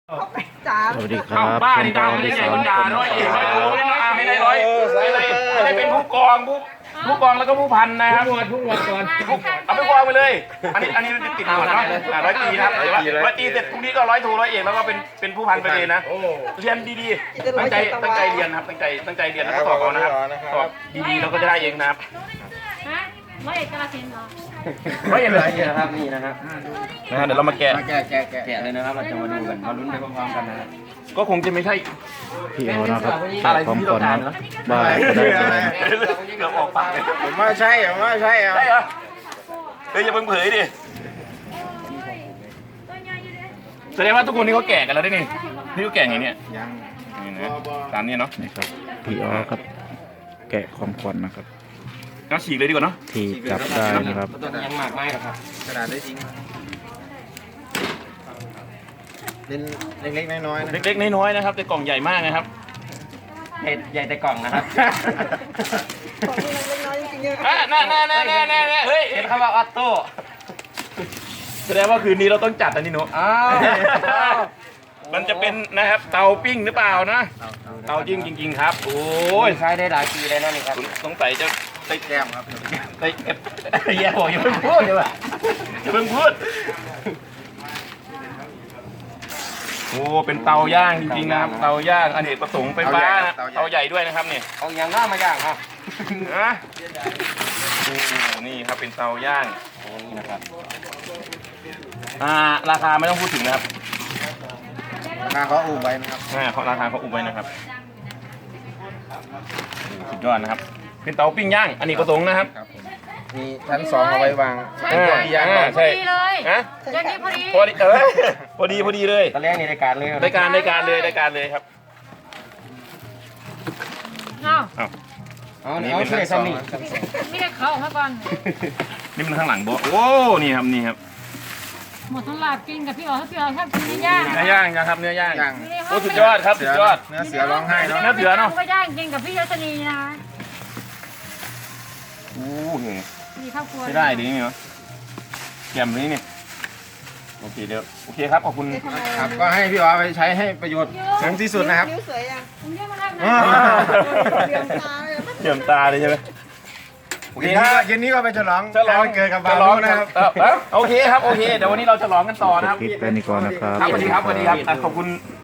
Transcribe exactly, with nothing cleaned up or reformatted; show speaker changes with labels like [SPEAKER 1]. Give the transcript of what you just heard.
[SPEAKER 1] จ้า
[SPEAKER 2] สวัสดีครับ
[SPEAKER 3] บ้าที่ตามไม่ได้ใหญ่คนด่าร้อยเอกร้อยโทเลยนะให้ได้ร้อยให้ได้ให้เป็นผู้กองผู้ผู้กองแล้วก็ผู้พันนะครับผู้ผู้หมวดก่อนเอาไปกองไปเลยอันนี้อันนี้มันติดหมวดเนาะร้อยตีนะครับร้อยตีเสร็จพรุ่งนี้ก็ร้อยโทร้อยเอกแล้วก็เป็นเป็นผู้พันไปเลยนะเรียนดีๆตั้งใจตั้งใจเรียนครับตั้งใจตั้งใจเรียนแล้วก็สอบเอานะครับสอบดีๆเราก็จะได้เองนะครับ
[SPEAKER 4] ฮะร้อยเอกกาฬสินธุ์เหรอ
[SPEAKER 3] ร้อยเอกเลย
[SPEAKER 5] นี่นะครับนี่นะครับ
[SPEAKER 3] นะฮะเดี๋ยวเรามาแกะ
[SPEAKER 5] แกะแกะแกะแกะเลยนะครับเราจะมาดูกันมาลุ้นไปพร้อมๆกันนะครับ
[SPEAKER 3] ก็คงจะไม่ใช่
[SPEAKER 2] พี่โอนะครับ
[SPEAKER 3] อะไร
[SPEAKER 2] พร้อม
[SPEAKER 3] ที่
[SPEAKER 2] ก่
[SPEAKER 3] เรา
[SPEAKER 2] อน
[SPEAKER 3] ทา
[SPEAKER 2] นะ
[SPEAKER 3] นเนาะ
[SPEAKER 2] บ่ายก็ได้เลย
[SPEAKER 3] เกือบออกปากเลย
[SPEAKER 5] ผมว่าใช่ผมว่าใช่อ่ะ
[SPEAKER 3] ใช่เหรอเฮ้ยอย่าเพิ่งเผยดิแสดงว่าทุกคนนี่เขาแก่กันแล้วได้นี่นี่เขาแก่ไงเนี่ย
[SPEAKER 5] ยัง
[SPEAKER 3] นี่นะตามนี้เนาะ
[SPEAKER 2] นี่ครับพี่โอครับ แกะของขวัญนะครับ
[SPEAKER 3] ก็ฉีกเลยดีกว่าเนาะ
[SPEAKER 2] ที่จับได้นะครับ
[SPEAKER 5] ตัวนี้ยังหมากไม้หรอครับกระดาษได้จริงเป็นเล็กๆน้อยๆนะ
[SPEAKER 3] เล็กๆน้อยๆนะครับแต่กล่องใหญ่มากนะครับ
[SPEAKER 5] ใหญ่ใหญ่แต่กล่องนะครับ
[SPEAKER 1] ของนี่มันเล็กน้อยจริงๆเนี่ย
[SPEAKER 3] อ่ะน่าน่าน่าน่าน่าเฮ้ย
[SPEAKER 5] เห็นคำว่าออโต้
[SPEAKER 3] แสดงว่าคืนนี้เราต้องจัดอันนี้หนู
[SPEAKER 5] อ้าว
[SPEAKER 3] มันจะเป็นนะครับเตาปิ้งหรือเปล่านะเตาจริงจริงๆครับโอ้
[SPEAKER 5] โอ้
[SPEAKER 3] ย
[SPEAKER 5] ยใช้ได้หลายปีเลยนะนี่ครับ
[SPEAKER 3] สงสัยจะ
[SPEAKER 5] ได้แก้มครับ
[SPEAKER 3] ไปเก็บแย่บอกอย่าเพิ่งพูดเลยว่ะอย่าเพิ่งพูดโอ้เป็นเตาย่างจริงๆนะครับเตาย่างอเนกประสงค์ไฟฟ้านะเตาใหญ่ด้วยนะครับเนี่ย
[SPEAKER 5] เอาอย่างหน้ามาย่างครับ
[SPEAKER 3] นะโอ้นี่ครับเป็นเตาย่าง
[SPEAKER 5] นี่นะครับ
[SPEAKER 3] อ่าราคาไม่ต้องพูดถึงนะครับ
[SPEAKER 5] ราคาเขาอุ้มไว้นะครับ
[SPEAKER 3] อ่าเขาราคาเขาอุบไว้นะครับโอ้สุดยอดนะครับ เป็นเตาปิ้งย่างอเนกประสงค์นะครับ
[SPEAKER 5] ครับผมมีชั้นสองเอาไว้วาง
[SPEAKER 3] อ่า
[SPEAKER 5] ย่าง
[SPEAKER 3] อ่า
[SPEAKER 4] พอ
[SPEAKER 3] ใช่
[SPEAKER 4] ดีเลย
[SPEAKER 3] ฮะ
[SPEAKER 4] อย่างนี้พอดี
[SPEAKER 3] พอดีเออพอดีพอดีเลย
[SPEAKER 5] ตอนแรกในรายการเลย
[SPEAKER 3] รายการรายการเลยรายการเลยครับ
[SPEAKER 4] เอ้า
[SPEAKER 3] อ้าว
[SPEAKER 5] เอาเอาช่วยซ้ำนี่
[SPEAKER 4] ไม่ได้เขาออกมาก่อน
[SPEAKER 3] นี่มันข้างหลังบอกโอ้นี่ครับนี่ครับ
[SPEAKER 4] หมดทั้งหลาดกินกับพี่อ๋อถ้าพี่อ๋อชอบกินเนื้อย่าง
[SPEAKER 3] เนื้อย่างนะครับเนื้อย่าง
[SPEAKER 5] ย่าง
[SPEAKER 3] โอ้สุดยอดครับสุดยอด
[SPEAKER 5] เนื้อเสือร้องไห้เนาะ
[SPEAKER 3] เนื้อเสือเนอะ
[SPEAKER 4] ก็ย่างกินกับพี่ยศนีนะ
[SPEAKER 3] โอ้โห
[SPEAKER 4] มีครอบครัว
[SPEAKER 3] ใช้ได้ดีนี่เนาะแกมนี้นี่โอเคเดี๋ยวโอเคครับขอบคุณ
[SPEAKER 1] ได้ทำไม
[SPEAKER 5] ครับก็ให้พี่อ๋อไปใช้ให้ประโยชน์ถึงที่สุดนะครับ
[SPEAKER 1] นิ้วสวยยัง
[SPEAKER 4] ผมเรียกมาทำ
[SPEAKER 5] อ่า
[SPEAKER 1] เบี่ยงตาเลย
[SPEAKER 3] เยี่ยมตาเลยใช่ไหมโอเค
[SPEAKER 5] เย็น
[SPEAKER 3] ค
[SPEAKER 5] นี้
[SPEAKER 3] รับ
[SPEAKER 5] ก็เย็นนี้ก็ไปฉลอง
[SPEAKER 3] ฉลอง
[SPEAKER 5] วันเกิดกับ
[SPEAKER 3] ฉ
[SPEAKER 5] บ่าว
[SPEAKER 3] ลอง
[SPEAKER 5] นุนะครับ
[SPEAKER 3] เออเออโอเคครับโอเคเดี๋ยววันนี้เราฉลองกันต่อนะครับ
[SPEAKER 2] คลิปแค่นี้ก่อนนะครับ
[SPEAKER 3] ครับสวัสดีครับสวัสดีครับอ่ะขอบคุณ